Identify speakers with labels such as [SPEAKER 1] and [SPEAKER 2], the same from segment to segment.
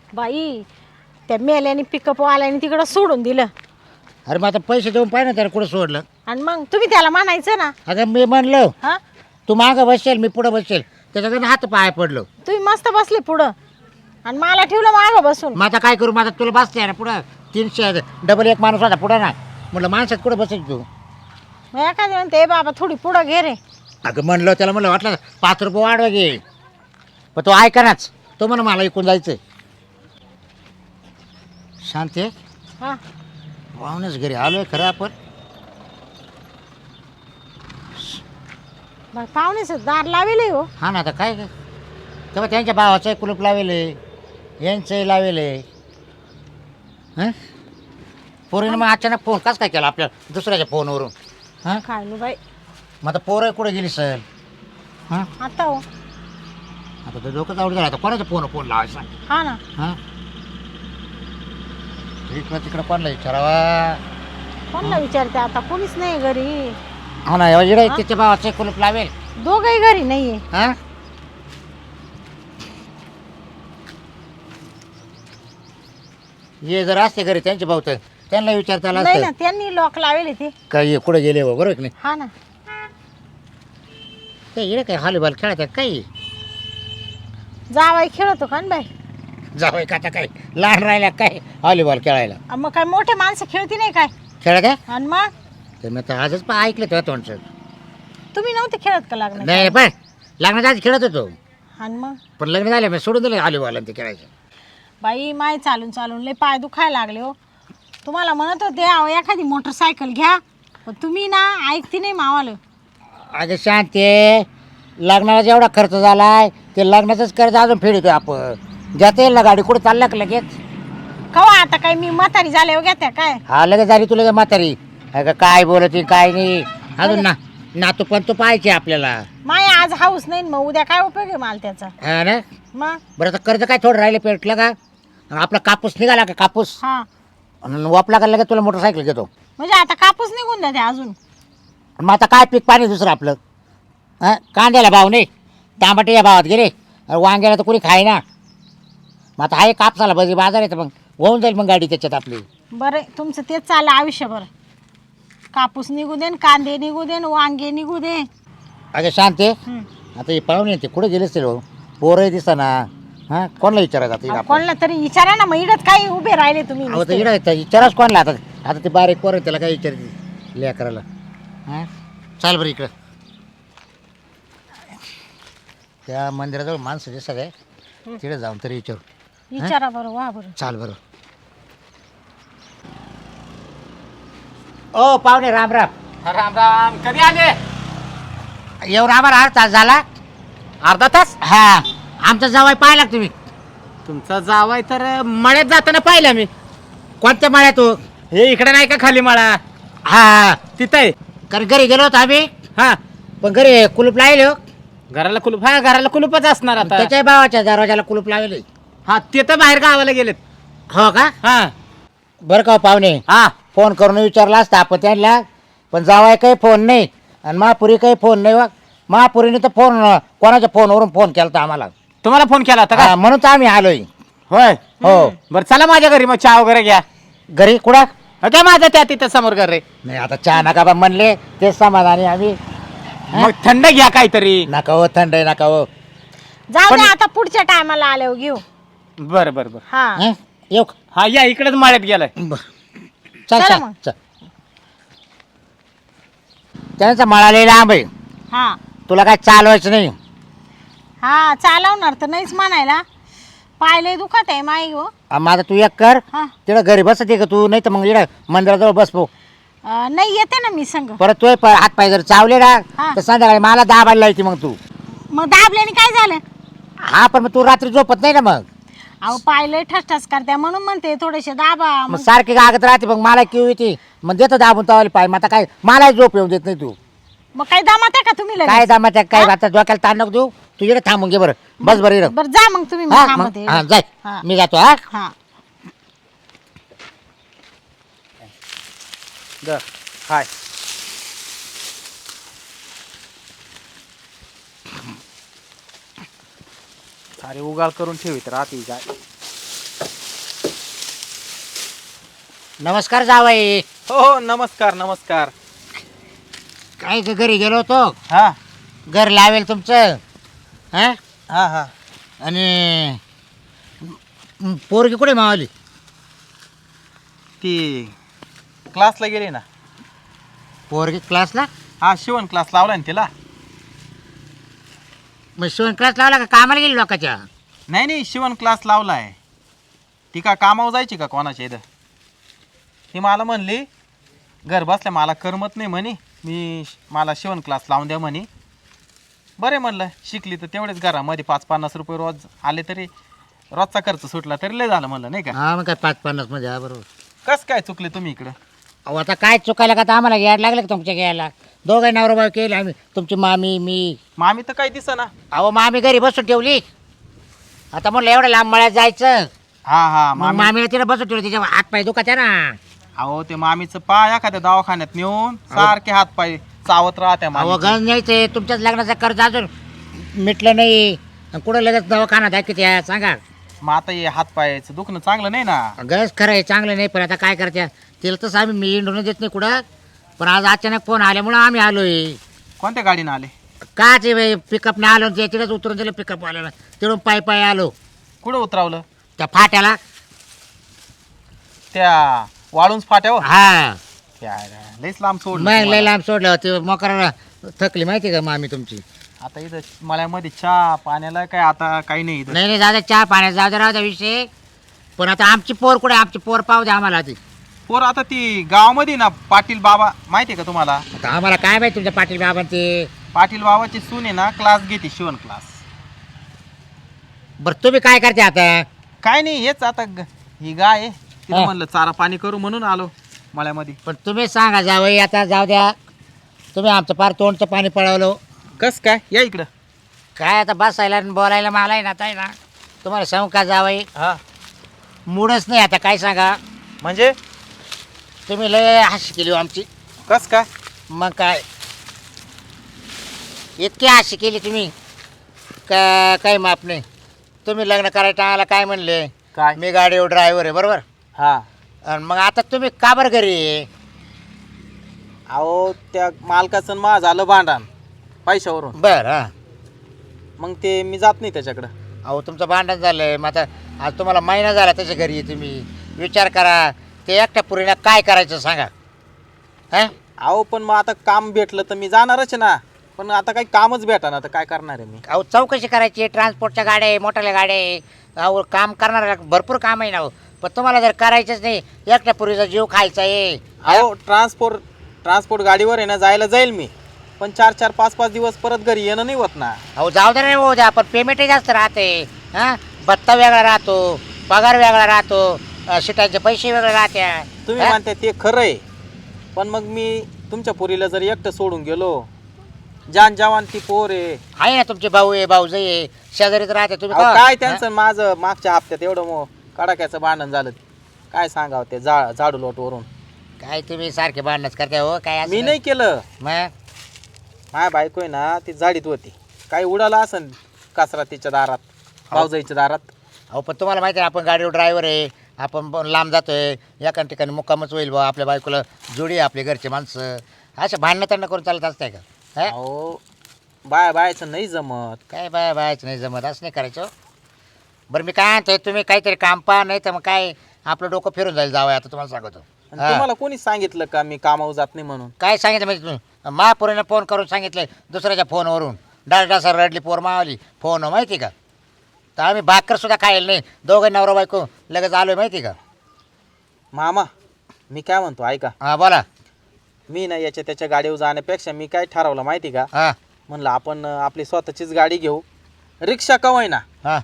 [SPEAKER 1] बाई त्या मेल्याने पिकअप वाल्याने तिकडं सोडून दिलं.
[SPEAKER 2] अरे मग आता पैसे देऊन पाहिजे ना त्याला कुठं सोडलं.
[SPEAKER 1] आणि मग तुम्ही त्याला म्हणायचं ना.
[SPEAKER 2] अगं मी म्हणलो
[SPEAKER 1] हा
[SPEAKER 2] तू मागं बसेल मी पुढं बसेल त्याच्याकडे हात पाय पडलो.
[SPEAKER 1] तुम्ही मस्त बसले पुढं आणि मला ठेवलं मागं बसून.
[SPEAKER 2] मग आता काय करू माझा तुला बसते ना पुढं 300 डबल एक माणूस होता पुढं ना म्हटलं माणसात कुठं बसेल तू.
[SPEAKER 1] मग एखादं म्हणते बाबा थोडी पुढं घे रे.
[SPEAKER 2] अगं म्हणलं त्याला म्हणलं वाटलं 5 रुपये वाढवा घे पण तो ऐकनाच. तो म्हणा मला इकून जायचं. शांती
[SPEAKER 1] हा
[SPEAKER 2] पाहुणेच घरी आलोय खरं आपण.
[SPEAKER 1] मग पाहुणेच दार लावेले हो.
[SPEAKER 2] हा ना आता काय काय तेव्हा त्यांच्या भावाचं कुलूप लावेले यांचंही लावेले. हां पोरीनं मग अचानक फोन कस काय केला आपल्या दुसऱ्याच्या फोनवरून. हां
[SPEAKER 1] काय नु बाई
[SPEAKER 2] मग आता पोरं कुठे गेली सर. हां
[SPEAKER 1] आता हो.
[SPEAKER 2] आता तर डोकंच आवड झालं आता कोणाच्या फोन लावायचा.
[SPEAKER 1] हा ना
[SPEAKER 2] हां इकडं तिकडं कोणाला विचारावा.
[SPEAKER 1] कोणाला विचारते आता कोणीच नाही घरी.
[SPEAKER 2] हो ना इकडे तिच्या भावाचं कुलूप लावेल.
[SPEAKER 1] दोघही घरी नाहीये.
[SPEAKER 2] हां ये जर असते घरी त्यांचे भाऊ तर त्यांना विचारता आलं
[SPEAKER 1] नाही ना
[SPEAKER 2] असतं
[SPEAKER 1] त्यांनी लॉक लावेले ते.
[SPEAKER 2] काय कुठे गेले हो बरोबर की नाही.
[SPEAKER 1] हा ना
[SPEAKER 2] काय इकडे काय हॉलीबॉल खेळत आहे काही
[SPEAKER 1] जावाई खेळतो का न बाई.
[SPEAKER 2] जावं का आता काय लहान राहिल्या काय हॉलीबॉल खेळायला.
[SPEAKER 1] मग काय मोठे माणसं खेळती नाही काय.
[SPEAKER 2] खेळत आहे
[SPEAKER 1] आणि मग
[SPEAKER 2] तर मी तर आजच पण ऐकलं तेव्हा तोंडचं.
[SPEAKER 1] तुम्ही नव्हते खेळत का लागणार.
[SPEAKER 2] नाही पण लग्नाच्या आधी खेळत होतो
[SPEAKER 1] आणि मग
[SPEAKER 2] पण लग्न झालं मी सोडून दिलं हॉलीबॉल आणि ते खेळायचं.
[SPEAKER 1] बाई माय चालून चालून लय पाय दुखायला लागले हो. तुम्हाला म्हणत होते अहो एखादी मोटरसायकल घ्या पण तुम्ही ना ऐकती नाही मावालं.
[SPEAKER 2] अगं शांती लग्नाला जेवढा खर्च झालाय ते लग्नाचंच कर्ज अजून फेडतो आपण. जाता येईल ना गाडी कुठं चालला का लगेच.
[SPEAKER 1] कवा आता काय मी म्हातारी झाले हो घेत्या काय.
[SPEAKER 2] हा लगेच झाली तुला म्हातारी. अगं काय बोलत काय नाही अजून ना नातू पण तो पाहायचे आपल्याला.
[SPEAKER 1] माय आज हाऊस नाही मग उद्या काय उपयोग आहे मला त्याचा.
[SPEAKER 2] हा ना
[SPEAKER 1] मग
[SPEAKER 2] बरं आता कर्ज काय थोडं राहिले पेटलं का. आपला कापूस निघाला का कापूस
[SPEAKER 1] हा
[SPEAKER 2] वापला का लगेच तुला मोटरसायकल घेतो.
[SPEAKER 1] म्हणजे आता कापूस निघून द्या ते अजून.
[SPEAKER 2] मग आता काय पीक पाणी दुसरं आपलं. हां कांद्याला भाव नाही टमाटे या भावात गेले वांग्याला तर कोणी खाय ना. मग आता आहे कापसाला बजी बाजार आहे तर मग होऊन जाईल मग गाडी त्याच्यात आपली.
[SPEAKER 1] बरं तुमचं तेच चाललं आयुष्यभर. कापूस निघू दे कांदे निघू दे वांगे निघू दे.
[SPEAKER 2] अगं शांती
[SPEAKER 1] हं.
[SPEAKER 2] आता हे पाहुणे ते कुठे गेले असतील पोरं दिसा ना. हां कोणाला विचारायचं आता
[SPEAKER 1] अहो,
[SPEAKER 2] आपण.
[SPEAKER 1] कोणाला तरी विचारा ना मग इडत काय उभे राहिले तुम्ही
[SPEAKER 2] अहो तर
[SPEAKER 1] नुसते.
[SPEAKER 2] इकडं विचाराच कोणाला आता. आता ते बारीक पोरं त्याला काय विचारते लेकराला. हां चाल बरं इकडं त्या मंदिराजवळ माणसं दिसत आहे तिकडे जाऊन तरी विचारू.
[SPEAKER 1] विचारा बरं वा बरं.
[SPEAKER 2] चाल बरं. ओ पाहुणे राम राम.
[SPEAKER 3] राम राम. कधी आले?
[SPEAKER 2] येऊन आम्हाला अर्धा तास झाला.
[SPEAKER 3] अर्धा तास.
[SPEAKER 2] हा आमचा जावाय पाहिला का तुम्ही.
[SPEAKER 3] तुमचा जावाय तर मळ्यात जाताना पाहिला मी.
[SPEAKER 2] कोणत्या माळ्यात तो.
[SPEAKER 3] हे इकडे नाही का खाली मळा
[SPEAKER 2] हा
[SPEAKER 3] तिथं आहे.
[SPEAKER 2] कारण घरी गेलो होतो आम्ही
[SPEAKER 3] हा
[SPEAKER 2] पण घरी कुलूप लावले हो.
[SPEAKER 3] घराला कुलूप. हा घराला कुलूपच असणार आता.
[SPEAKER 2] त्याच्या भावाच्या दरवाजाला कुलूप लावले.
[SPEAKER 3] हा ते तर बाहेर गावाला गेलेत.
[SPEAKER 2] हो का
[SPEAKER 3] हा
[SPEAKER 2] बरं का हो पाहुणे
[SPEAKER 3] हा
[SPEAKER 2] फोन करून विचारला असता आपण त्यांना पण जावाय काही फोन नाही आणि महापुरी काही फोन नाही. वा महापुरीने तर फोन कोणाच्या फोनवरून फोन केला होता आम्हाला.
[SPEAKER 3] तुम्हाला फोन केला होता का?
[SPEAKER 2] हा, म्हणून तर आम्ही आलोय.
[SPEAKER 3] होय.
[SPEAKER 2] हो
[SPEAKER 3] बरं चला माझ्या घरी मग चहा वगैरे घ्या.
[SPEAKER 2] घरी कुठं
[SPEAKER 3] काय माझं त्या तिथं समोर घर रे.
[SPEAKER 2] नाही आता चहा नका बा म्हणले तेच समाधानी आम्ही.
[SPEAKER 3] मग थंड घ्या काहीतरी.
[SPEAKER 2] नका हो थंड आहे नका हो.
[SPEAKER 1] जाऊ
[SPEAKER 3] पण-
[SPEAKER 1] दे आता पुढच्या टायमाला आल्यावर घेऊ.
[SPEAKER 3] बरं बरं बरं.
[SPEAKER 1] हा
[SPEAKER 2] हं? येऊ का?
[SPEAKER 3] हा या इकडेच मळ्यात गेलाय.
[SPEAKER 2] बरं. चल
[SPEAKER 1] चला
[SPEAKER 2] चल
[SPEAKER 1] मग.
[SPEAKER 2] चल त्यांचा मळा लय लांब आहे.
[SPEAKER 1] हा
[SPEAKER 2] तुला काय चालवायचं नाही.
[SPEAKER 1] हा चालवणार तर नाहीच म्हणायला. पायले दुखत आहे माई हो.
[SPEAKER 2] माझा तू एक कर
[SPEAKER 1] हा
[SPEAKER 2] तिकडं घरी बसते का तू नाही तर मग इकडं मंदिराजवळ बस पो.
[SPEAKER 1] नाही येते ना मी संग.
[SPEAKER 2] परत तू हात पाय जर चावले ना
[SPEAKER 1] हा.
[SPEAKER 2] तर संध्याकाळी मला दाबायला लायची मग तू.
[SPEAKER 1] मग दाबल्याने काय झालं.
[SPEAKER 2] हा पण मग तू रात्री झोपत नाही ना मग.
[SPEAKER 1] अहो पायले ठसठस करते म्हणून म्हणते थोडेसे दाबा.
[SPEAKER 2] मग सारखी गागत राहते मग मला किव येते मग देतो दाबून तवाली पाय. मग आता काय मला झोप येऊन देत नाही तू.
[SPEAKER 1] मग काही दामात आहे का तुम्ही लगेच?
[SPEAKER 2] काय दामाच्या काय आता डोक्याला ताण नको देऊ. तू इकडे थांबून घे बरं बस बरं इकडं.
[SPEAKER 1] बरं जा मग तुम्ही. मी
[SPEAKER 2] हा
[SPEAKER 1] थांबते.
[SPEAKER 2] मग हा जाय
[SPEAKER 1] हा.
[SPEAKER 2] मी जातो. हा
[SPEAKER 1] हा
[SPEAKER 3] द हाय. सारे उगाळ करून ठेवीत राहते काय.
[SPEAKER 2] नमस्कार जावाई.
[SPEAKER 4] हो हो नमस्कार नमस्कार.
[SPEAKER 2] काय ग, घरी गेलो होतो.
[SPEAKER 4] हा
[SPEAKER 2] घर लावेल तुमचं. हा
[SPEAKER 4] हा हा.
[SPEAKER 2] आणि पोरगी कुठे मावली?
[SPEAKER 4] ती क्लासला गेली ना.
[SPEAKER 2] पोरगी क्लासला?
[SPEAKER 4] हा शिवण क्लास लावला ना तिला.
[SPEAKER 2] मग शिवण क्लास लावला का कामाला गेली लोकांच्या?
[SPEAKER 4] नाही नाही शिवण क्लास लावलाय. ती का कामावर जायची का कोणाच्या इथं? ती मला म्हणली घर बसल्या मला करमत नाही म्हणे, मला शिवण क्लास लावून द्या म्हणे. बरे म्हणलं शिकली तर तेवढेच घरामध्ये 5-50 रुपये रोज आले तरी रोजचा खर्च सुटला तरी लय झालं म्हणलं नाही का.
[SPEAKER 2] हा मग काय 5-50 मध्ये. हा बरोबर.
[SPEAKER 4] कस काय चुकले तुम्ही इकडं?
[SPEAKER 2] अहो आता काय चुकायला का, आता आम्हाला यायला लागलं का तुमच्या घ्यायला? दोघं नवरा बायको केले आम्ही, तुमची मामी मी.
[SPEAKER 4] मामी तर काही दिसेना.
[SPEAKER 2] अहो मामी घरी बसून ठेवली. आता म्हणलं एवढं लांब मळ्यात जायचं.
[SPEAKER 4] हा हा
[SPEAKER 2] मग
[SPEAKER 4] मामी.
[SPEAKER 2] मामीला तिला बसून ठेवली, तिच्या हात पाय दुखात्या ना.
[SPEAKER 4] अहो ते मामीचं पाय एखाद्या दवाखान्यात नेऊन सारखे हात पाय चावत राहत्या
[SPEAKER 2] अहो
[SPEAKER 4] मामी.
[SPEAKER 2] गंज न्यायचंय, तुमच्याच लग्नाचं कर्ज अजून मिटलं नाही. आणि कुठं लगेच दवाखाना दाखवत्या सांगा?
[SPEAKER 4] मग आता हे हात पायाचं दुखणं चांगलं नाही ना.
[SPEAKER 2] गरज खरं आहे, चांगलं नाही, पण आता काय करत्या? तिला तसं आम्ही मी इंडून देत नाही कुठं. पण आज अचानक फोन आल्यामुळं आम्ही आलोय.
[SPEAKER 4] कोणत्या गाडीनं आले?
[SPEAKER 2] का ते पिकअपने आलो, ते तिथंच उतरून दिलं पिकअप आल्याला, तिकडून पाय आलो
[SPEAKER 4] कुठं उतरावलं?
[SPEAKER 2] त्या फाट्याला.
[SPEAKER 4] त्या वाळूंज फाट्यावर?
[SPEAKER 2] हा
[SPEAKER 4] लईच लांब सोडलं
[SPEAKER 2] मग लय
[SPEAKER 4] तुम्हाला.
[SPEAKER 2] लांब सोडलं ते मोकराला. थकली माहिती का मामी तुमची?
[SPEAKER 4] आता इथं मळ्यामध्ये चहा पाण्याला काय आता काही नाही इथं.
[SPEAKER 2] नाही जाऊ द्या, चहा पाण्याचा जाऊ द्या, राहू द्या विषय. पण आता आमची पोर कुठे? आमची पोर पाहू द्या आम्हाला ती.
[SPEAKER 4] पोर आता ती गावामध्ये ना पाटील बाबा माहिती आहे का तुम्हाला?
[SPEAKER 2] आता आम्हाला काय माहिती तुमच्या पाटील बाबां ते.
[SPEAKER 4] पाटील बाबाची सून आहे ना, क्लास घेते शिवण क्लास.
[SPEAKER 2] बरं तुम्ही काय करते आता?
[SPEAKER 4] काय नाही हेच आता ही गाय आहे तिला
[SPEAKER 2] हा.
[SPEAKER 4] म्हणलं चारा पाणी करू म्हणून आलो मळ्यामध्ये.
[SPEAKER 2] पण तुम्ही सांगा जावई, आता जाऊ द्या. तुम्ही आमचं फार तोंडचं पाणी पळवलं.
[SPEAKER 4] कस काय या इकडं.
[SPEAKER 2] काय आता बसायला आणि बोलायला मला आहे ना, आता आहे ना तुम्हाला सांगू का जावई,
[SPEAKER 4] हा
[SPEAKER 2] मूडच नाही आता. काय सांगा,
[SPEAKER 4] म्हणजे
[SPEAKER 2] तुम्ही लय हाशी केली हो आमची.
[SPEAKER 4] कस काय?
[SPEAKER 2] मग काय इतकी हाशी केली तुम्ही का काही माप नाही. तुम्ही लग्न करायचं आम्हाला काय म्हणले?
[SPEAKER 4] काय?
[SPEAKER 2] मी गाडीवर ड्रायव्हर आहे, बरोबर.
[SPEAKER 4] हा
[SPEAKER 2] आणि मग आता तुम्ही का बरं घरी आहे?
[SPEAKER 4] अहो त्या मालकाचं मा झालं भांडण पैशावरून.
[SPEAKER 2] बरं. हां.
[SPEAKER 4] मग ते मी जात नाही त्याच्याकडं.
[SPEAKER 2] अहो तुमचं भांडण झालं, मग आता आज तुम्हाला महिना झाला त्याच्या घरी आहे. तुम्ही विचार करा, ते एकट्या पुरीला काय करायचं सांगा. हां.
[SPEAKER 4] अहो पण मग आता काम भेटलं तर मी जाणारच ना. पण आता काही कामच भेटा तर काय करणार आहे मी?
[SPEAKER 2] अहो चौकशी करायची, ट्रान्सपोर्टच्या गाड्या आहे, मोठ्या गाड्या आहे. अहो काम करणार भरपूर काम आहे ना हो. पण तुम्हाला जर करायचंच नाही, एकट्या पुरीचा जीव खायचा आहे.
[SPEAKER 4] अहो ट्रान्सपोर्ट गाडीवर आहे ना, जायला जाईल मी. पण 4-4, 5-5 दिवस परत घरी येणं नाही होत ना.
[SPEAKER 2] अहो जाऊ दे नाही होऊ द्या, पण पेमेंटही जास्त राहते. हां, भत्ता वेगळा राहतो, पगार वेगळा राहतो, शिटाचे पैसे वेगळे राहत्या.
[SPEAKER 4] तुम्ही म्हणता ते खरं आहे. पण मग मी तुमच्या पोरीला जर एकटं सोडून गेलो, जान जवान ती पोर आहे
[SPEAKER 2] ना तुमचे भाऊ आहे, भाऊजाई आहे, शेजारीच राहते तुम्ही.
[SPEAKER 4] अहो, काय त्यांचं माझं मागच्या हप्त्यात एवढं कडाक्याचं भांडण झालं. काय सांगावं ते झाडू लोटवरून.
[SPEAKER 2] काय तुम्ही सारखे भांडणच करताय हो? काय असं
[SPEAKER 4] मी नाही केलं.
[SPEAKER 2] मग
[SPEAKER 4] माझ्या बायको आहे ना, ती झाडीत होती. काही उडाला असन कचरा तिच्या दारात, भाऊजाईच्या दारात.
[SPEAKER 2] अहो पण तुम्हाला माहिती आहे आपण गाडीवर ड्रायव्हर आहे, आपण लांब जातोय, एका ठिकाणी मुक्कामच होईल बा. आपल्या बायकोला जोडी आहे, आपले घरचे माणसं. असं भांडणं तंड करून चालत असतंय का? हा?
[SPEAKER 4] अहो बायाचं नाही जमत.
[SPEAKER 2] काय बायचं नाही जमत, असं नाही करायचं. बरं मी काय म्हणतोय, तुम्ही काहीतरी काम पहा, नाही तर मग काय आपलं डोकं फिरून जाईल. जावं आता तुम्हाला सांगतो.
[SPEAKER 4] आणि तुम्हाला कोणी सांगितलं का मी कामावर जात नाही म्हणून?
[SPEAKER 2] काय सांगितलं म्हणजे तुम्ही? महापुरीनं फोन करून सांगितलं दुसऱ्याच्या फोनवरून. डायरेक्ट असं रडली पोर मावली फोन, माहिती का? तर आम्ही भाकर सुद्धा खायला नाही, दोघं नवरा बायको लगेच आलोय, माहिती का?
[SPEAKER 4] मामा मी काय म्हणतो ऐका.
[SPEAKER 2] हां बोला.
[SPEAKER 4] मी ना याच्या त्याच्या गाडीवर जाण्यापेक्षा मी काय ठरवलं माहिती का?
[SPEAKER 2] हां
[SPEAKER 4] म्हणलं आपण आपली स्वतःचीच गाडी घेऊ, रिक्षा कवाय ना.
[SPEAKER 2] हां.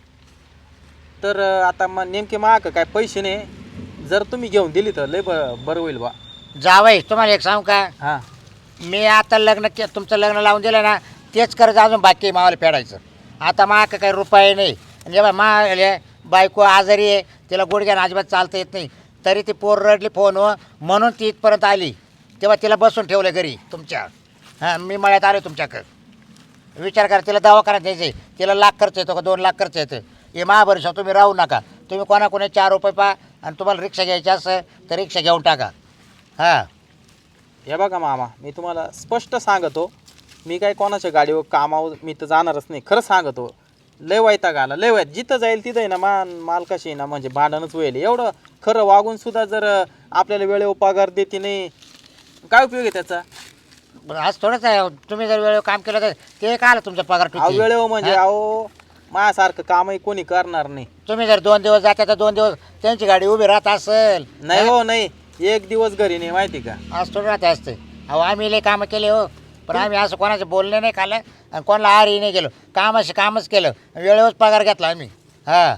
[SPEAKER 4] तर आता मग नेमके माग काय पैसे नाही, जर तुम्ही घेऊन दिली तर लय बरं होईल बा.
[SPEAKER 2] जावई तुम्हाला एक सांगू का,
[SPEAKER 4] हां
[SPEAKER 2] मी आता तुमचं लग्न लावून दिलं ना, तेच कर्ज अजून बाकी आहे मावाला फेडायचं. आता माग काही रुपये नाही. आणि जेव्हा बायको आजारी आहे, तिला गुडघ्यानं अजिबात चालता येत नाही, तरी ती पोर रडली फोनवर म्हणून ती इथपर्यंत आली. तेव्हा तिला बसून ठेवलं घरी तुमच्या. हां मी मळ्यात आलो तुमच्याकडं. विचार करा, तिला दवाखान्यात द्यायचं आहे, तिला लाख खर्च येतो का 2 लाख खर्च येतं. हे महाभरोसा तुम्ही राहू नका. तुम्ही कोणाकोणी 4 रुपये पा आणि तुम्हाला रिक्षा घ्यायची असेल तर रिक्षा घेऊन टाका. हां
[SPEAKER 4] हे बघा मामा, मी तुम्हाला स्पष्ट सांगतो, मी काय कोणाच्या गाडीवर कामावर मी तर जाणारच नाही. खरं सांगतो, लय वैताग आला, लय वैत जिथं जाईल तिथं आहे ना मालकाशी आहे ना म्हणजे भांडणच होईल. एवढं खरं वागून सुद्धा जर आपल्याला वेळेवर पगार देते नाही, काय उपयोग आहे त्याचा?
[SPEAKER 2] आज थोडंच आहे, तुम्ही जर वेळेवर काम केलं तर ते काय आलं तुमचा पगार
[SPEAKER 4] अहो
[SPEAKER 2] टुकी.
[SPEAKER 4] वेळेवर म्हणजे अहो माझ्यासारखं कामही कोणी करणार नाही.
[SPEAKER 2] तुम्ही जर 2 दिवस जाता तर 2 दिवस त्यांची गाडी उभी राहत असेल.
[SPEAKER 4] नाही हो, नाही, एक दिवस घरी नाही माहिती का.
[SPEAKER 2] आज थोडं राहते असते. अहो आम्ही लय कामं केले हो, पण आम्ही असं कोणाचं बोलणे नाही खाल्लं आणि कोणाला आरही नाही गेलो. कामाशी कामच केलं, वेळेवर पगार घेतला आम्ही. हां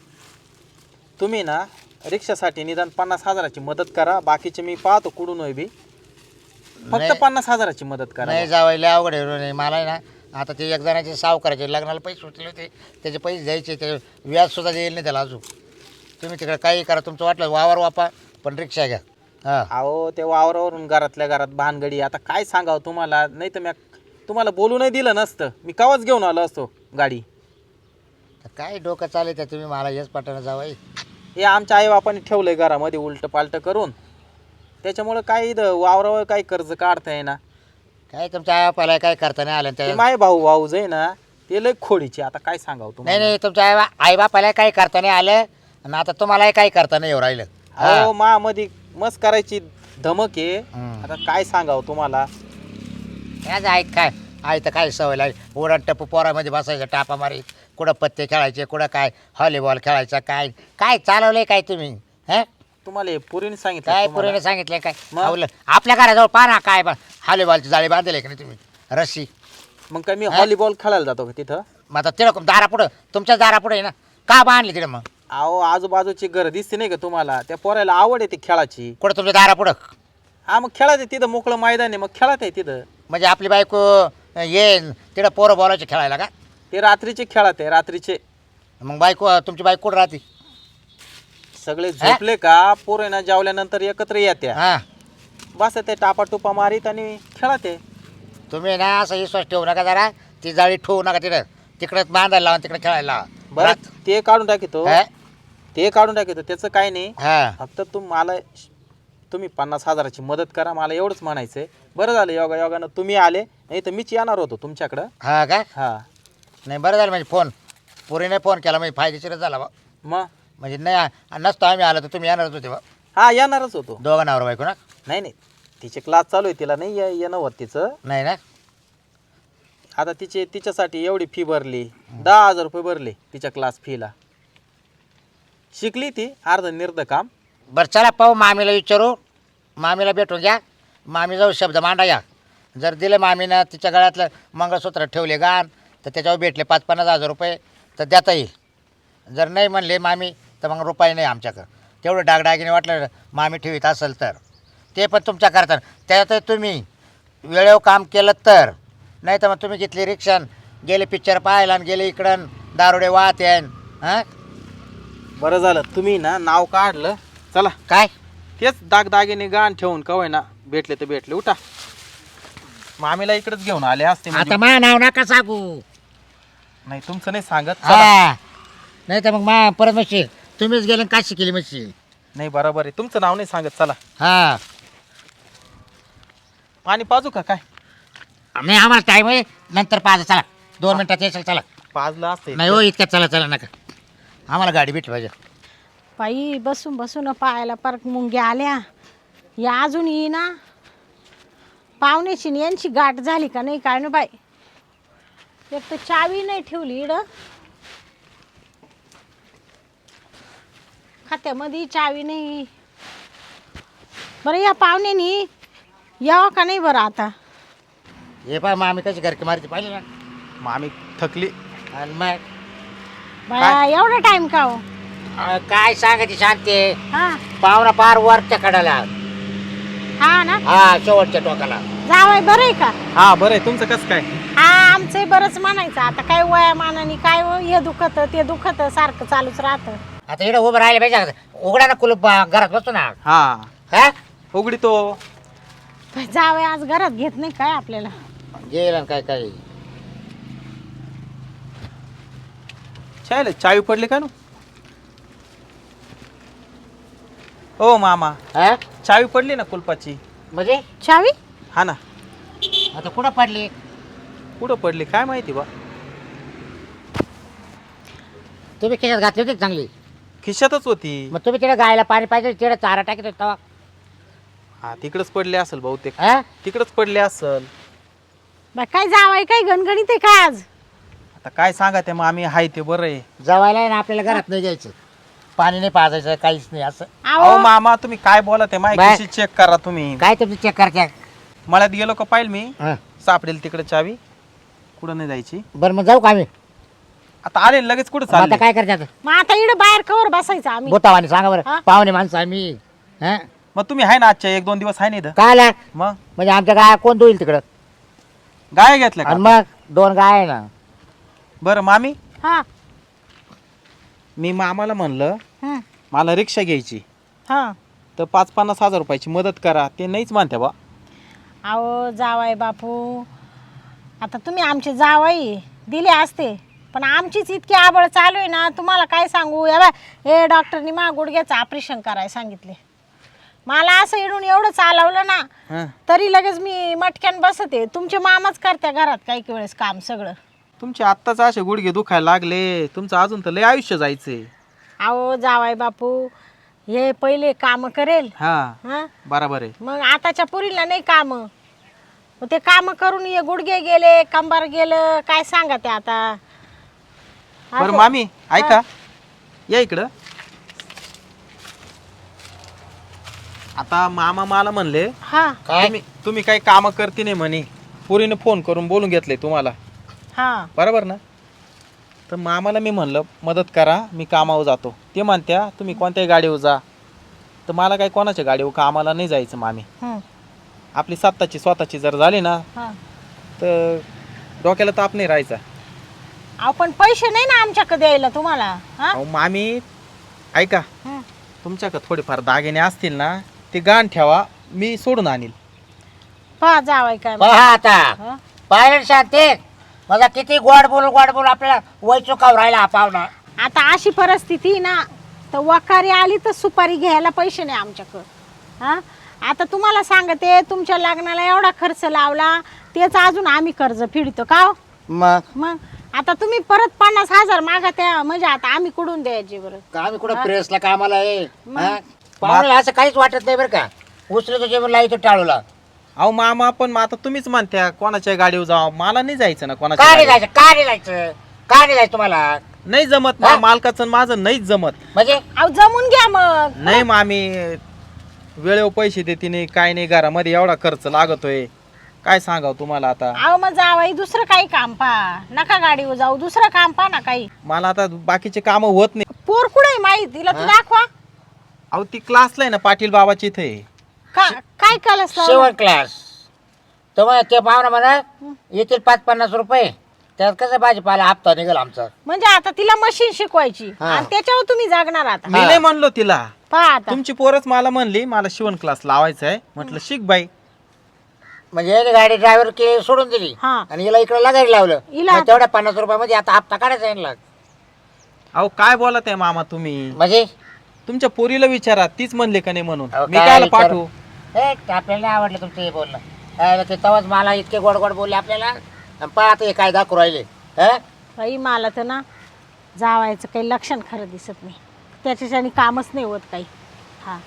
[SPEAKER 4] तुम्ही ना रिक्षासाठी निदान 50,000ची मदत करा, बाकीचे मी पाहतो कुठून होय बी. फक्त
[SPEAKER 2] नाही.
[SPEAKER 4] 50,000ची मदत करा.
[SPEAKER 2] नाही जावायला अवघड आहे नाही मला आहे ना. आता ते एक जणाचे सावकाराचे लग्नाला पैसे सुटले होते, त्याचे पैसे द्यायचे, ते व्याजसुद्धा देईल नाही त्याला अजून. तुम्ही तिकडे काही करा, तुमचं वाटलं वावर वापा पण रिक्षा घ्या. हां
[SPEAKER 4] अहो ते वावरावरून घरातल्या घरात भानगडी, आता काय सांगावं तुम्हाला. नाही तर मी तुम्हाला बोलू नाही दिलं नसतं, मी कवाच घेऊन आलो असतो गाडी.
[SPEAKER 2] तर काय डोकं चालेल तर तुम्ही मला हेच पाठवणं जावाई.
[SPEAKER 4] हे आमच्या आईबापाने ठेवलंय घरामध्ये उलटं पालटं करून, त्याच्यामुळं काही वावरावर काही कर्ज काढता येईना.
[SPEAKER 2] काय तुमच्या आपाला काय करता नाही आलं
[SPEAKER 4] ते
[SPEAKER 2] त्या.
[SPEAKER 4] माय भाऊ आहे ना, ते लय खोडीचे. आता काय सांगावं
[SPEAKER 2] नाही
[SPEAKER 4] तुम्हाला.
[SPEAKER 2] नाही तुमच्या आईबापाला काही करता नाही आलं आणि आता तुम्हालाही काही करता नाही येऊ राहिलं.
[SPEAKER 4] अहो मा मध्ये मस्त करायची धमक आहे.
[SPEAKER 2] हम्म.
[SPEAKER 4] आता काय सांगावं तुम्हाला.
[SPEAKER 2] काय ऐक काय आई तर काय सवय लागली. उडण टप्पू पोरामध्ये बसायचं, टापा मारी, कुठं पत्ते खेळायचे, कुठं काय व्हॉलीबॉल खेळायचा, काय काय चालवलंय काय तुम्ही. हं
[SPEAKER 4] तुम्हाला हे पुरीने सांगितलं
[SPEAKER 2] काय
[SPEAKER 4] तुम्हाला?
[SPEAKER 2] पुरीने सांगितलंय काय
[SPEAKER 4] मग?
[SPEAKER 2] आवलं आपल्या घराजवळ पहा ना काय व्हॉलीबॉलची जाळी बांधले की नाही तुम्ही रस्सी.
[SPEAKER 4] मग काय मी व्हॉलीबॉल खेळायला जातो का तिथं?
[SPEAKER 2] मग आता तिकडं दारापुढं तुमच्याच दारापुढं आहे ना, का बांधली तिकडं मग?
[SPEAKER 4] अहो आजूबाजूची घर दिसते नाही का तुम्हाला, त्या पोरायला आवड आहे ती खेळाची.
[SPEAKER 2] कुठं तुमच्या दारापुढं?
[SPEAKER 4] हा मग खेळत आहे तिथं, मोकळं मैदान आहे, मग खेळत आहे तिथं.
[SPEAKER 2] म्हणजे आपली बायको ये तिकडं पोरं बोलायचे खेळायला का?
[SPEAKER 4] ते रात्रीचे खेळत आहे, रात्रीचे.
[SPEAKER 2] मग बायको तुमची बायको कुठं राहते?
[SPEAKER 4] सगळे झोपले का पोरं ना जेवल्यानंतर एकत्र येत्या,
[SPEAKER 2] हां
[SPEAKER 4] बस ते टापा टुपा मारीत आणि खेळत आहे.
[SPEAKER 2] तुम्ही ना असं विश्वास ठेवू नका जरा, ती जाळी ठेवू नका तिकडं, तिकडं बांधायला लावा, तिकडे खेळायला लावा.
[SPEAKER 4] बरं ते काढून टाकितो,
[SPEAKER 2] हा?
[SPEAKER 4] ते काढून टाकितो, त्याचं काय नाही.
[SPEAKER 2] हा
[SPEAKER 4] फक्त तुम्ही 50,000ची मदत करा, मला एवढंच म्हणायचंय. बरं झालं योगानं तुम्ही आले, नाही तर मीच येणार होतो तुमच्याकडं.
[SPEAKER 2] हा का?
[SPEAKER 4] हा
[SPEAKER 2] नाही बरं झालं म्हणजे फोन पुरीने फोन केला म्हणजे फायदेशीरच झाला बा.
[SPEAKER 4] मग
[SPEAKER 2] म्हणजे नाही नसतो आम्ही आलो तर तुम्ही येणारच होते बा.
[SPEAKER 4] हा येणारच होतो.
[SPEAKER 2] दोघं नवरा बायको ना?
[SPEAKER 4] नाही तिचे क्लास चालू आहे, तिला नाही येणं होत तिचं.
[SPEAKER 2] नाही ना?
[SPEAKER 4] आता तिच्यासाठी एवढी फी भरली, 10,000 रुपये भरले तिच्या क्लास फीला. शिकली ती अर्ध निर्ध काम.
[SPEAKER 2] बरं चला पाहू, मामीला विचारू, मामीला भेटून घ्या, मामी जाऊ शब्द मांडा या. जर दिलं मामीनं तिच्या गळ्यातलं मंगळसूत्र ठेवले गाण तर त्याच्यावर भेटले 5-50 हजार रुपये तर देता येईल. जर नाही म्हणले मामी तर मग रुपये नाही आमच्याकडं. तेवढं डागडागिने वाटलं मामी ठेवीत असेल तर ते पण तुमच्या करता. त्यात तुम्ही वेळेवर काम केलं तर, नाही तर मग तुम्ही घेतली रिक्षा, गेले पिक्चर पाहायला आणि गेले इकडं दारुडे वाहत येईन. हां
[SPEAKER 4] बरं झालं तुम्ही ना नाव काढलं. चला
[SPEAKER 2] काय
[SPEAKER 4] तेच दागदागिने गाण ठेवून कवय ना भेटले तर भेटले. उठा, मामीला इकडेच घेऊन आले असते म्हणजे.
[SPEAKER 2] आता मा नाव नका सांगू.
[SPEAKER 4] नाही तुमचं नाही सांगत. चला.
[SPEAKER 2] हा नाही तर मग मा परत म्हणशील तुम्हीच गेले काय शिकेली म्हणशील.
[SPEAKER 4] नाही बरोबर आहे, तुमचं नाव नाही सांगत. चला
[SPEAKER 2] हा
[SPEAKER 4] पाणी पाजू का काय?
[SPEAKER 2] नाही आम्हाला टाईम आहे, नंतर 5 चला 2 मिनिटात येशील. चला
[SPEAKER 4] पाजलं असते.
[SPEAKER 2] नाही हो इतक्यात चला नका, आम्हाला गाडी भेटली पाहिजे.
[SPEAKER 1] बाई बसून बसून पायाला परत मुंग्या आल्या. या अजून येईना. पाहुण्याची न यांची गाठ झाली का नाही काय ना बाई. एक तर चावी नाही ठेवली इकडं खात्यामध्ये, चावी नाही. बरं या पाहुण्यानी यावं का नाही बरं आता?
[SPEAKER 2] हे पहा मग आम्ही कशी घरकी मारती पाहिजे ना.
[SPEAKER 4] मामी थकली.
[SPEAKER 2] आणि मग
[SPEAKER 1] बाया एवढा टाइम का हो?
[SPEAKER 2] काय सांगायची शांती,
[SPEAKER 1] हा
[SPEAKER 2] पाहुणा पार वरच्या कडाला,
[SPEAKER 1] हा ना.
[SPEAKER 2] हा शेवटच्या टोकाला.
[SPEAKER 1] जावय बरं आहे का?
[SPEAKER 4] हा बरं आहे. तुमचं कसं काय?
[SPEAKER 1] हा आमचंही बरंच म्हणायचं. आता काय वयामानाने काय हो, हे दुखत ते दुखत सारखं चालूच राहतं.
[SPEAKER 2] आता इकडे उभं राहिले पाहिजे. उघडा ना कुलूप, घरात बसतो ना.
[SPEAKER 4] हा
[SPEAKER 2] हा
[SPEAKER 4] उघडी तो.
[SPEAKER 1] जावय आज घरात घेत नाही काय आपल्याला.
[SPEAKER 2] गेलं काय काय
[SPEAKER 4] चालेल, चावी पडली का ना? ओ मामा,
[SPEAKER 2] हा
[SPEAKER 4] चावी पडली ना कुलपाची.
[SPEAKER 2] म्हणजे
[SPEAKER 1] चावी?
[SPEAKER 4] हा ना.
[SPEAKER 2] आता कुठं पडली?
[SPEAKER 4] कुठं पडली काय माहिती बा.
[SPEAKER 2] तुम्ही खिशात घातली होती का चांगली?
[SPEAKER 4] खिशातच होती.
[SPEAKER 2] मग तुम्ही तिकडे गायला पाणी पाहिजे, तिकडे चारा टाकत होता.
[SPEAKER 4] हा तिकडच पडली असेल बहुतेक.
[SPEAKER 2] हा
[SPEAKER 4] तिकडच पडली असेल.
[SPEAKER 1] बाई काय जावाय काय गणगणित आहे काय आज?
[SPEAKER 4] आता काय सांगा ते मग आम्ही हाय ते बरं आहे.
[SPEAKER 2] जवायला आहे ना आपल्याला घरात नाही जायचं, पाणी नाही पाजायचं, काहीच नाही असं.
[SPEAKER 4] अहो
[SPEAKER 1] अहो
[SPEAKER 4] मामा तुम्ही काय बोला ते
[SPEAKER 2] बाय.
[SPEAKER 4] माहिती चेक करा तुम्ही.
[SPEAKER 2] काय तुमची चेक करत्या?
[SPEAKER 4] मळ्यात गेलो का पाहिलं मी,
[SPEAKER 2] हा.
[SPEAKER 4] सापडेल तिकडे चावी. कुठं नाही जायची.
[SPEAKER 2] बरं मग जाऊ का आम्ही?
[SPEAKER 4] आता आले ना लगेच कुठं
[SPEAKER 2] मग आता
[SPEAKER 4] चालले.
[SPEAKER 2] काय करतात?
[SPEAKER 1] मग आता इकडे बाहेर कवर बसायचं आम्ही?
[SPEAKER 2] बोतावानी सांगा बरं,
[SPEAKER 1] हा?
[SPEAKER 2] पाहुणे माणसं आम्ही. हा
[SPEAKER 4] मग तुम्ही आहे ना आजच्या 1-2 दिवस आहे ना इथं.
[SPEAKER 2] काय आला?
[SPEAKER 4] मग
[SPEAKER 2] म्हणजे आमच्या गाय कोण धुईल तिकडं?
[SPEAKER 4] गाय घेतल्या
[SPEAKER 2] आणि
[SPEAKER 4] का?
[SPEAKER 2] मग 2 गाय आहे ना.
[SPEAKER 4] बरं मामी,
[SPEAKER 1] हा.
[SPEAKER 4] मी मामाला म्हणलं
[SPEAKER 1] हं.
[SPEAKER 4] मला रिक्षा घ्यायची,
[SPEAKER 1] हा.
[SPEAKER 4] तर 5-50 हजार रुपयाची मदत करा. ते नाहीच मानते बा.
[SPEAKER 1] अहो जावाय बापू, आता तुम्ही आमचे जावाई दिले असते, पण आमचीच इतकी आबळ चालू आहे ना, तुम्हाला काय सांगू. या बा हे डॉक्टरनी मा गुडघ्याचं ऑपरेशन करायला सांगितले. मला असं इडून एवढं चालवलं ना,
[SPEAKER 4] हं.
[SPEAKER 1] तरी लगेच मी मटक्यान बसते. तुमचे मामाच करत्या घरात काही वेळेस काम सगळं.
[SPEAKER 4] तुमचे आत्ताच असे गुडघे दुखायला लागले, तुमचं अजून तर लय आयुष्य जायचंय.
[SPEAKER 1] अहो जावाय बापू, हे पहिले काम करेल.
[SPEAKER 4] हा
[SPEAKER 1] हा,
[SPEAKER 4] बरोबर आहे.
[SPEAKER 1] मग आताच्या पुरीला नाही काम. मग ते काम करून ये गुडघे गेले, कंबर गेलं, काय सांगा ते आता.
[SPEAKER 4] बरं
[SPEAKER 1] असं-
[SPEAKER 4] मामी ऐका, या इकडं. आता मामा मला म्हणले
[SPEAKER 1] हा
[SPEAKER 2] काय?
[SPEAKER 4] तुम्ही काही काम करते नाही म्हणे, पुरीने फोन करून बोलून घेतले तुम्हाला,
[SPEAKER 1] हा
[SPEAKER 4] बरोबर ना. तर मामाला मी म्हणलं मदत करा, मी कामावर जातो. ते म्हणत्या तुम्ही कोणत्याही गाडीवर जा. तर मला काही कोणाच्या गाडीवर कामाला नाही जायचं मामी.
[SPEAKER 1] हं,
[SPEAKER 4] आपली स्वतःची जर झाली ना,
[SPEAKER 1] हा.
[SPEAKER 4] तर डोक्याला ताप नाही राहायचा.
[SPEAKER 1] अहो पण पैसे नाही ना आमच्याकडे द्यायला तुम्हाला. हा
[SPEAKER 4] अहो मामी ऐका,
[SPEAKER 1] हं.
[SPEAKER 4] तुमच्याकडे थोडेफार दागिने असतील ना, ते गाण ठेवा, मी सोडून आणील.
[SPEAKER 1] पहा जावाय काय.
[SPEAKER 2] पहा आता
[SPEAKER 1] हा?
[SPEAKER 2] पाहिलं शांती, मला किती गोड बोल आपल्याला वय चुकावर राहिला हा पाहुणा.
[SPEAKER 1] आता अशी परिस्थिती आहे ना, तर वकारी आली तर सुपारी घ्यायला पैसे नाही आमच्याकडं. हा, आता तुम्हाला सांगते, तुमच्या लग्नाला एवढा खर्च लावला, तेच अजून आम्ही कर्ज फेडतो का हो? मग आता तुम्ही परत 50,000 मागा त्या, म्हणजे आता आम्ही कुठून द्यायचे बरं?
[SPEAKER 2] आम्ही कुठं प्रेसला कामाला आहे? हा? पाहुण्याला असं काहीच वाटत नाही बरं का. उचलं तर जेवण लावतो टाळूला.
[SPEAKER 4] अहो मामा पण मग आता तुम्हीच म्हणत्या कोणाच्या गाडीवर जावं, मला नाही जायचं ना
[SPEAKER 2] का
[SPEAKER 4] कोणाच्या
[SPEAKER 2] नाही
[SPEAKER 4] गाडीवर.
[SPEAKER 2] जायचं? का नाही जायचं? का नाही जायचं तुम्हाला?
[SPEAKER 4] नाही जमत
[SPEAKER 2] हा?
[SPEAKER 4] ना, मालकाचं आणि माझं नाहीच जमत.
[SPEAKER 2] म्हणजे
[SPEAKER 1] अहो जमून घ्या मग.
[SPEAKER 4] नाही मामी, वेळेवर पैसे देते नाही, काय नाही, घरामध्ये एवढा खर्च लागतोय, काय सांगाव तुम्हाला आता.
[SPEAKER 1] अहो मग जावाई दुसरं काही काम पहा, नका गाडीवर जाऊ, दुसरं काम पहा ना काही.
[SPEAKER 4] मला आता बाकीचे काम होत नाही.
[SPEAKER 1] पोर कुठे माहित तिला तू दाखवा.
[SPEAKER 4] अहो ती क्लासला आहे ना पाटील बाबाची इथे.
[SPEAKER 1] काय कलस
[SPEAKER 2] शेवट क्लास. तर मग ते पाहुणा म्हणा येतील 5-50 रुपये, त्यात कसं भाजीपाला हप्ता निघेल आमचा.
[SPEAKER 1] म्हणजे आता तिला मशीन शिकवायची
[SPEAKER 2] हा.
[SPEAKER 1] आणि त्याच्यावर तुम्ही जगणार आता.
[SPEAKER 4] मी नाही म्हणलो तिला,
[SPEAKER 1] पहा आता.
[SPEAKER 4] तुमची पोरच मला म्हणली मला शिवण क्लास लावायचा आहे. म्हटलं शिक बाई.
[SPEAKER 2] म्हणजे याने गाडी ड्रायव्हर के सोडून दिली
[SPEAKER 1] हा.
[SPEAKER 2] आणि हिला इकडे लगायला लावलं.
[SPEAKER 1] हिला
[SPEAKER 2] मग तेवढ्या 50 रुपयामध्ये आता हप्ता काढायचा यांना.
[SPEAKER 4] अहो काय बोलत आहे मामा तुम्ही,
[SPEAKER 2] म्हणजे
[SPEAKER 4] तुमच्या पोरीला विचारा, तीच म्हणले का नाही म्हणून.
[SPEAKER 2] अहो,
[SPEAKER 4] मी
[SPEAKER 2] काय
[SPEAKER 4] कायला
[SPEAKER 2] विचारू?
[SPEAKER 4] पाठवू.
[SPEAKER 2] आपल्याला नाही आवडलं तुमचं हे बोलणं. ते तेव्हाच मला इतके गोड गोड बोलले आपल्याला. आणि पहा आता हे काय दाखवू राहिले.
[SPEAKER 1] बाई मला तर ना जावायचं काही लक्षण खरं दिसत नाही, त्याच्याच्याने कामच नाही होत काही. हा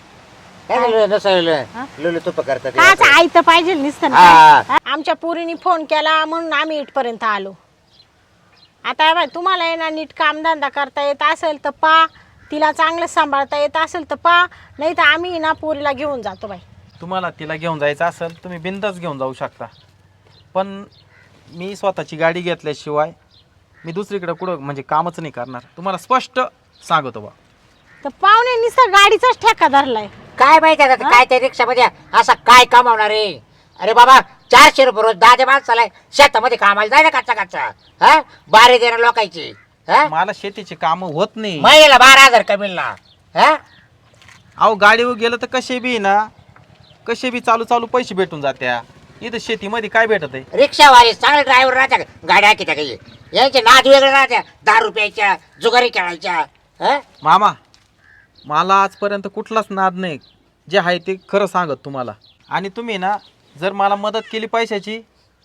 [SPEAKER 2] लुलू तुप करतात
[SPEAKER 1] काच आई तर पाहिजे नुसतं ना
[SPEAKER 2] हा.
[SPEAKER 1] काय? आमच्या पोरीने फोन केला म्हणून आम्ही इथपर्यंत आलो. आता हे बाई, तुम्हाला आहे ना नीट कामधंदा करता येत असेल तर पा, तिला चांगलं सांभाळता येत असेल तर पा, नाही तर आम्ही ना पोरीला घेऊन जातो बाई.
[SPEAKER 4] तुम्हाला तिला घेऊन जायचं असेल तुम्ही बिंदास घेऊन जाऊ शकता, पण मी स्वतःची गाडी घेतल्याशिवाय मी दुसरीकडे कुठं म्हणजे कामच नाही करणार. तुम्हाला स्पष्ट सांगतो बा.
[SPEAKER 1] तर पाहुणे नुसतं गाडीचाच ठेका धरलाय.
[SPEAKER 2] काय माहिती आता काय त्या रिक्षामध्ये असं काय कमावणार आहे? अरे बाबा 400 रुपये रोज 10 माणसाला शेतामध्ये कामाला जाय ना कच्चा कच्चा. हा, बारे देणार लोकांची.
[SPEAKER 4] मला शेतीची कामं होत नाही.
[SPEAKER 2] महिन्याला 12,000 कमी ना. हा,
[SPEAKER 4] अहो गाडीवर गेलं तर कसे बी ना, कसे बी चालू पैसे भेटून जात्या. इथं शेतीमध्ये काय भेटत आहे?
[SPEAKER 2] रिक्षावाले चांगले ड्रायव्हर राहत्या, गाड्या किती काही यांचे नाद वेगळे राहत्या, 10 रुपयाच्या जुगारी खेळायच्या.
[SPEAKER 4] मामा मला आजपर्यंत कुठलाच नाद नाही, जे आहे ते खरं सांगत तुम्हाला. आणि तुम्ही ना जर मला मदत केली पैशाची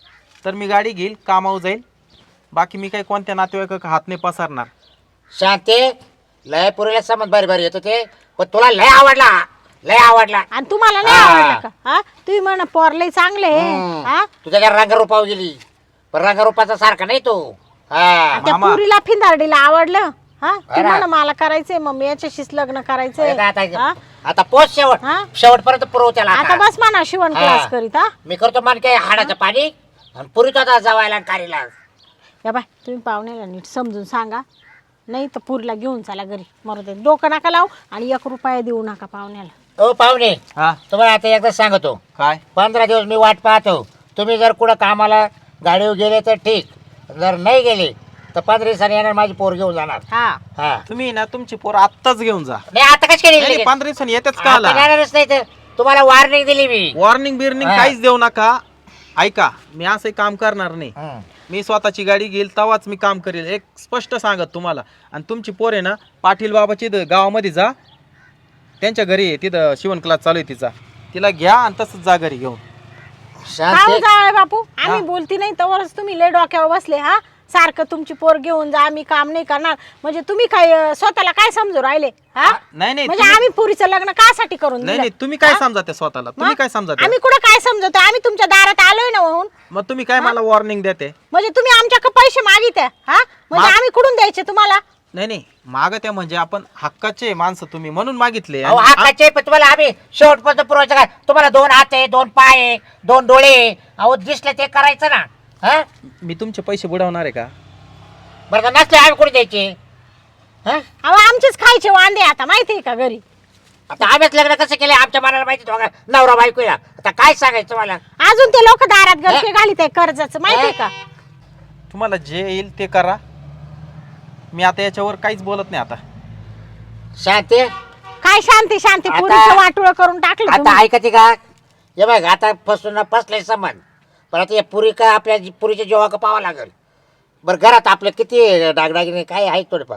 [SPEAKER 4] तर मी गाडी घेईल, कामावर जाईल. बाकी मी काही कोणत्या नातेवाईक हात नाही पसरणार.
[SPEAKER 2] शांती लय पुरीला समज बारी बारी येतो ते, पण तुला लय आवडला, लय आवडला.
[SPEAKER 1] आणि तुम्हाला नाही
[SPEAKER 2] हा.
[SPEAKER 1] आवडलं का? हा तुम्ही म्हणा पोर लय चांगले हा
[SPEAKER 2] तुझ्या त्या रंगरूपावर गेली, पण रंगरूपाचा सारखा नाही तो. हा
[SPEAKER 1] त्या
[SPEAKER 4] मामा.
[SPEAKER 1] पुरीला फिंदारडीला आवडलं हा ती
[SPEAKER 2] अरे.
[SPEAKER 1] म्हणा मला करायचंय मम्मी याच्याशीच लग्न करायचंय
[SPEAKER 2] अरे आता
[SPEAKER 1] हा?
[SPEAKER 2] आता पोच शेवट,
[SPEAKER 1] हा?
[SPEAKER 2] शेवटपर्यंत पुरव त्याला
[SPEAKER 1] आता
[SPEAKER 2] आता.
[SPEAKER 1] बस म्हणा शिवण
[SPEAKER 2] हा.
[SPEAKER 1] क्लास करीत हा
[SPEAKER 2] मी करतो मान काय हाडाचं पाणी आणि पुरीत आता जवायला आणि कारीला.
[SPEAKER 1] या बाय तुम्ही पाहुण्याला नीट समजून सांगा, नाही तर पुरीला घेऊन चला घरी. मरू दे, डोकं नका लावू आणि 1 रुपया देऊ नका पाहुण्याला.
[SPEAKER 2] ओ पाहुणे,
[SPEAKER 4] हा
[SPEAKER 2] तुम्हाला आता एकदा सांगतो,
[SPEAKER 4] काय
[SPEAKER 2] 15 दिवस मी वाट पाहतो. तुम्ही जर कुठं कामाला गाडीवर गेले तर ठीक, जर नाही गेले तर 15 दिवसांनी येणार माझी पोर घेऊन जाणार.
[SPEAKER 1] हा
[SPEAKER 2] हा
[SPEAKER 4] तुम्ही ना तुमची पोर आत्ताच घेऊन जा.
[SPEAKER 2] नाही आता कशी केली?
[SPEAKER 4] 15 दिवसांनी येतेच का
[SPEAKER 2] आता
[SPEAKER 4] आला?
[SPEAKER 2] येणारच नाही तर तुम्हाला वॉर्निंग दिली मी.
[SPEAKER 4] वॉर्निंग बिर्निंग
[SPEAKER 2] हा.
[SPEAKER 4] काहीच देऊ नका. ऐका, मी असं काम करणार नाही.
[SPEAKER 2] हं.
[SPEAKER 4] मी स्वतःची गाडी घेईल तेव्हाच मी काम करेल, एक स्पष्ट सांगत तुम्हाला. आणि तुमची पोर आहे ना पाटील बाबाची गावामध्ये जा, त्यांच्या घरी आहे, तिथं शिवण क्लास चालू आहे तिचा. तिला घ्या आणि तसंच जा घरी घेऊन.
[SPEAKER 2] शांती
[SPEAKER 1] जावय बापू, आम्ही
[SPEAKER 4] हा.
[SPEAKER 1] बोलती नाही तवरच तुम्ही लय डोक्यावर बसले. हा सारखं तुमची पोर घेऊन जा, आम्ही काम नाही करणार. म्हणजे तुम्ही काय स्वतःला काय समजू राहिले? हा
[SPEAKER 4] नाही नाही
[SPEAKER 1] म्हणजे
[SPEAKER 4] तुम्ही-
[SPEAKER 1] आम्ही पुरीचं लग्न कासाठी करून
[SPEAKER 4] नाही
[SPEAKER 1] दिलं?
[SPEAKER 4] नाही तुम्ही काय
[SPEAKER 1] हा?
[SPEAKER 4] समजाते स्वतःला? तुम्ही
[SPEAKER 1] मग?
[SPEAKER 4] काय समजाते?
[SPEAKER 1] आम्ही कुठं काय समजतो? आम्ही तुमच्या दारात आलोय ना होऊन.
[SPEAKER 4] मग तुम्ही काय मला वॉर्निंग देते?
[SPEAKER 1] म्हणजे तुम्ही आमच्याकडे पैसे मागित हा म्हणजे
[SPEAKER 4] मा-
[SPEAKER 1] आम्ही कुठून द्यायचे तुम्हाला?
[SPEAKER 4] नाही नाही मागत्या म्हणजे आपण हक्काचे माणसं, तुम्ही म्हणून मागितले.
[SPEAKER 2] अहो
[SPEAKER 4] आणि-
[SPEAKER 2] हाताचे पण तुम्हाला आम्ही शेवटपर्यंत पुरवायचं काय? तुम्हाला 2 हात आहे, 2 पाय आहे, 2 डोळे. अहो दिसलं ते करायचं ना. हा
[SPEAKER 4] मी तुमचे पैसे बुडवणार आहे का?
[SPEAKER 2] बरं का नसले आम्ही कुठे द्यायचे? हा
[SPEAKER 1] अहो आमचेच खायचे वांदे आता माहितीये का घरी.
[SPEAKER 2] आता आम्हीच लग्न कसं केलं आमच्या मनाला माहिती दोघा नवरा बायको या. आता काय सांगायचं तुम्हाला?
[SPEAKER 1] अजून ते लोक दारात गरके घालीत आहे कर्जाचं माहितीये का?
[SPEAKER 4] तुम्हाला जे येईल ते करा. मी आता याच्यावर काहीच बोलत नाही आता.
[SPEAKER 2] शांती
[SPEAKER 1] काय शांती शांती,
[SPEAKER 2] आता-
[SPEAKER 1] पुरीचं वाटोळं करून टाकलं
[SPEAKER 2] आता
[SPEAKER 1] तुम्ही.
[SPEAKER 2] ऐकते का? हे बघ आता फसून फसले समान, पण आता या पुरी का आपल्या पुरीच्या जेव्हा का पाहावं लागेल. बरं घरात आपलं किती डागडागिने काय आहे थोडेफार?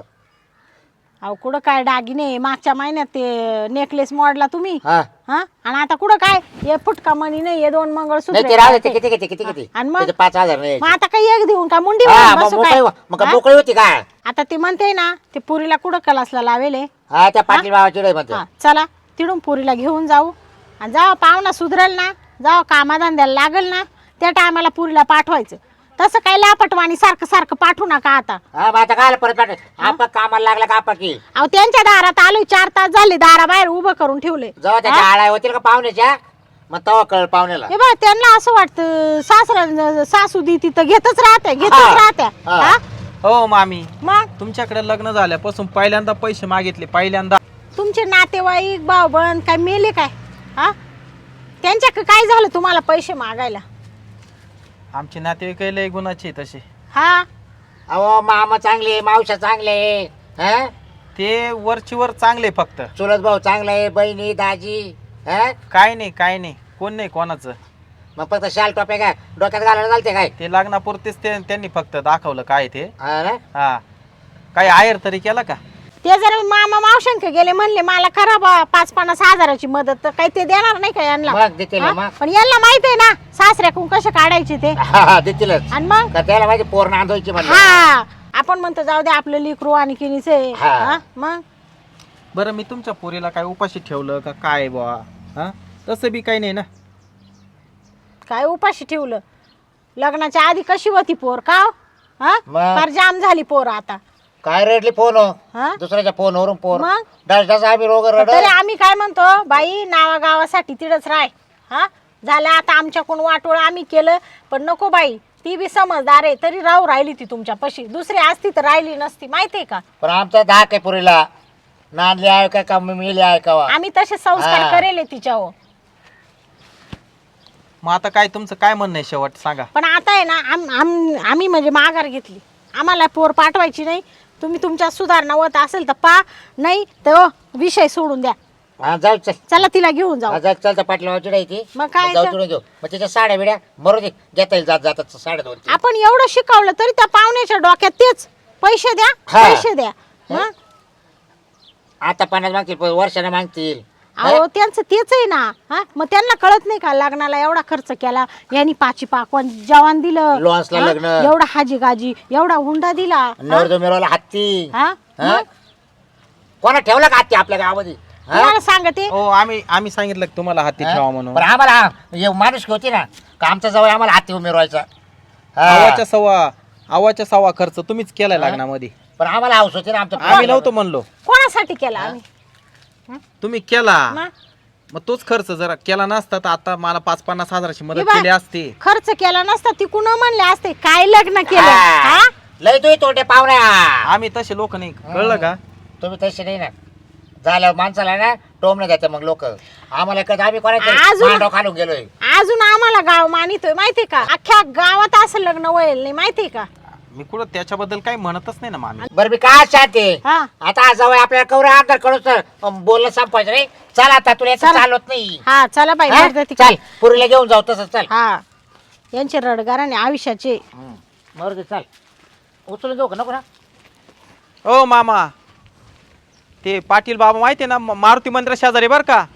[SPEAKER 1] अहो कुठं काय दागिने, मागच्या महिन्यात ते नेकलेस मोडला तुम्ही.
[SPEAKER 2] हा
[SPEAKER 1] हा आणि आता कुठं काय हे फुटका मणी नाही, हे 2 मंगळसूत्र
[SPEAKER 2] नाही ते राहू दे, ते किती किती किती किती
[SPEAKER 1] आणि मग?
[SPEAKER 2] त्याचे 5,000 नाही.
[SPEAKER 1] मग आता काही एक देऊन का मुंडी
[SPEAKER 2] हा
[SPEAKER 1] भरून
[SPEAKER 2] मग
[SPEAKER 1] बसू
[SPEAKER 2] मोकळी
[SPEAKER 1] काय?
[SPEAKER 2] मग
[SPEAKER 1] हा?
[SPEAKER 2] मोकळी होती का?
[SPEAKER 1] आता ते म्हणते ना ते पुरीला कुठं कलासला लावेले.
[SPEAKER 2] हा त्या पाटील बाबाची डोळे म्हणते.
[SPEAKER 1] हा चला तिडून पुरीला घेऊन जाऊ आणि जावा पाहुणा सुधरेल ना, जावा कामाधंद्याला लागेल ना, त्या टायमाला पुरीला पाठवायचं. तसं काय लापटवाणी सारखं सारखं पाठवू नका आता.
[SPEAKER 2] हा मग आता काय परत पाठव आपण कामाला लागला का आपण की
[SPEAKER 1] अहो त्यांच्या दारात आलोय 4 तास झाले, दाराबाहेर उभं करून ठेवले.
[SPEAKER 2] जेव्हा त्याच्या आळ्या होतील का पाहुण्याच्या मग तेव्हा कळ पाहुण्याला.
[SPEAKER 1] हे बघ त्यांना असं वाटतं सासरा सासू दी तिथं घेतच राहते घेतच
[SPEAKER 2] हा.
[SPEAKER 1] राहत्या.
[SPEAKER 2] हा.
[SPEAKER 1] हा?
[SPEAKER 4] हो मामी,
[SPEAKER 1] मग
[SPEAKER 4] तुमच्याकडे लग्न झाल्यापासून पहिल्यांदा पैसे मागितले, पहिल्यांदा.
[SPEAKER 1] तुमचे नातेवाईक भाऊ बहीण काय मेले काय? हा त्यांच्या काय झालं तुम्हाला पैसे मागायला?
[SPEAKER 4] आमचे नातेवाईक लय गुणाचे आहे तसे.
[SPEAKER 1] हा
[SPEAKER 2] अहो मामा चांगले, मावशा चांगले, हा
[SPEAKER 4] ते वरची वर चांगले, फक्त
[SPEAKER 2] चुलत भाऊ चांगले, बहिणी दाजी. हा
[SPEAKER 4] काय नाही काय नाही, कोण नाही कोणाचं.
[SPEAKER 2] मग फक्त शाल टोप्या काय डोक्यात घालायला चालते काय?
[SPEAKER 4] ते लग्नापुरतेच त्यांनी फक्त दाखवलं काय ते.
[SPEAKER 2] हा ना?
[SPEAKER 4] हा काही आहेर तरी केला का?
[SPEAKER 1] ते जर मामा मावशंक गेले म्हणले मला करा बा 5-50 हजाराची मदत, तर काही ते देणार नाही का यांना?
[SPEAKER 2] मग देतील ना
[SPEAKER 1] हा?
[SPEAKER 2] मग.
[SPEAKER 1] पण यांना माहित आहे ना सासऱ्याकडून कसे काढायचे ते.
[SPEAKER 2] हा हा देतीलच.
[SPEAKER 1] आणि मग
[SPEAKER 2] का त्याला माहिती पोर नांदवायची म्हणलं.
[SPEAKER 1] हा आपण म्हणतो जाऊ दे आपलं लेकरू आणि किनीच आहे.
[SPEAKER 2] हा.
[SPEAKER 1] हा? मग
[SPEAKER 4] बरं मी तुमच्या पोरीला काय उपाशी ठेवलं का काय बुवा? हा तसं बी काही नाही ना.
[SPEAKER 1] काय उपाशी ठेवलं? लग्नाच्या आधी कशी होती पोर का हो? हा
[SPEAKER 2] मग?
[SPEAKER 1] फार जाम झाली पोर आता.
[SPEAKER 2] काय रडली फोन हो
[SPEAKER 1] हा
[SPEAKER 2] दुसऱ्याच्या फोनवरून पोर
[SPEAKER 1] मग?
[SPEAKER 2] डस आम्ही रोग रड.
[SPEAKER 1] तरी आम्ही काय म्हणतो बाई नावागावासाठी तिडच राय. हा झालं आता आमच्याकडून वाटोळ आम्ही केलं, पण नको बाई ती बी समजदार आहे, तरी राहिली ती तुमच्या पशी. दुसरी असती तर राहिली नसती माहितीये का?
[SPEAKER 2] पण आमचा धाक आहे पुरीला. नांदली आहे का मिली आहे का?
[SPEAKER 1] आम्ही तसे संस्कार
[SPEAKER 2] हा.
[SPEAKER 1] करेल तिच्यावर.
[SPEAKER 4] मग आता काय तुमचं काय म्हणणं आहे शेवट सांगा.
[SPEAKER 1] पण आता आहे ना आम्ही म्हणजे माघार घेतली. आम्हाला पोर पाठवायची नाही. तुम्ही तुमच्या सुधारणा होत असेल तर पा, नाही तर विषय सोडून द्या.
[SPEAKER 2] हा जाऊ चल.
[SPEAKER 1] चला तिला घेऊन जाऊ.
[SPEAKER 2] हा, जा चल. त्या पाटला वाची ती
[SPEAKER 1] मग काय
[SPEAKER 2] जाऊ
[SPEAKER 1] तर?
[SPEAKER 2] तिकडून घेऊ. मग त्याच्या साड्या बिड्या मरू दे, घेता येईल जात जातात 2.5.
[SPEAKER 1] आपण एवढं शिकवलं तरी त्या पाहुण्याच्या डोक्यात तेच पैसे द्या
[SPEAKER 2] हा.
[SPEAKER 1] पैसे द्या. मग
[SPEAKER 2] आता 50 मागतील वर्षाने मागतील.
[SPEAKER 1] अहो त्यांचं तेच आहे ना. हा मग त्यांना कळत नाही का लग्नाला एवढा खर्च केला यांनी पाची पाकवान जेवण दिलं
[SPEAKER 2] लॉन्सला
[SPEAKER 1] हा?
[SPEAKER 2] लग्न.
[SPEAKER 1] एवढा हाजी गाजी एवढा हुंडा दिला
[SPEAKER 2] नवरदेव मिरवला हत्ती.
[SPEAKER 1] हा
[SPEAKER 2] हा? कोणा ठेवला का हत्ती आपल्या गावामध्ये? हा?
[SPEAKER 1] तुम्हाला सांगते
[SPEAKER 4] हो आम्ही सांगितलं की तुम्हाला हाती ठेवा म्हणून.
[SPEAKER 2] पण आम्हाला माणूस होती ना का आमच्या जवळ आम्हाला हत्ती मिरवायचा. हा.
[SPEAKER 4] आवाच्या सव्वा खर्च तुम्हीच केलाय लग्नामध्ये.
[SPEAKER 2] पण आम्हाला हाऊस होती ना आमच्या
[SPEAKER 4] आम्ही नव्हतो म्हणलो,
[SPEAKER 1] कोणासाठी केला आम्ही
[SPEAKER 4] तुम्ही केला.
[SPEAKER 1] मग?
[SPEAKER 4] मग तोच खर्च जरा केला नसता तर आता मला 5-50 हजाराची
[SPEAKER 1] हे
[SPEAKER 4] मदत
[SPEAKER 1] बघ,
[SPEAKER 4] केली असती.
[SPEAKER 1] खर्च केला नसता ती कुणा म्हणले असते काय लग्न केलं
[SPEAKER 2] हा.
[SPEAKER 1] हा?
[SPEAKER 2] लय तू तोटे पाहुण्या.
[SPEAKER 4] आम्ही तसे लोक नाही, कळलं का?
[SPEAKER 2] तुम्ही तसे नाही ना झालं माणसाला ना टोमणे देते मग लोक आम्हाला कधी आम्ही
[SPEAKER 1] अजून-
[SPEAKER 2] कोणाचं खालून गेलोय.
[SPEAKER 1] अजून आम्हाला गाव मानितोय माहितीये का अख्ख्या गावात असं लग्न वळेल नाही माहितीये का
[SPEAKER 4] मी कुठं त्याच्याबद्दल काही म्हणतच नाही ना मामी.
[SPEAKER 2] बरं मी काय शांती
[SPEAKER 1] हा
[SPEAKER 2] आता जवळ आपल्याला कवरा आधार कडून बोलणं संपायचं नाही. चल आता तुला याचं
[SPEAKER 1] चला.
[SPEAKER 2] चालत नाही.
[SPEAKER 1] हा चला बाई
[SPEAKER 2] हा?
[SPEAKER 1] मर्द तिकडे.
[SPEAKER 2] चल पुरीला घेऊन जाऊ तसं चल.
[SPEAKER 1] हा यांचे रडगाराने आयुष्याचे
[SPEAKER 2] मरू चल उचलून जाऊ का नको ना.
[SPEAKER 4] ओ मामा, ते पाटील बाबा माहिती आहे ना मारुती मंदिरा शेजारी बर का.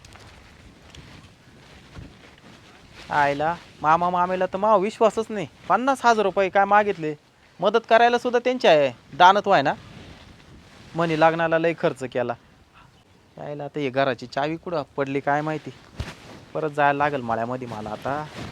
[SPEAKER 4] आयला मामा मामेला तर मा विश्वासच नाही. 50,000 रुपये काय मागितले, मदत करायला सुद्धा त्यांची आहे दानत्व आहे ना. म्हणे लग्नाला लय खर्च केला. यायला आता हे घराची चावी कुठं पडली काय माहिती. परत जायला लागेल मळ्यामध्ये मला आता.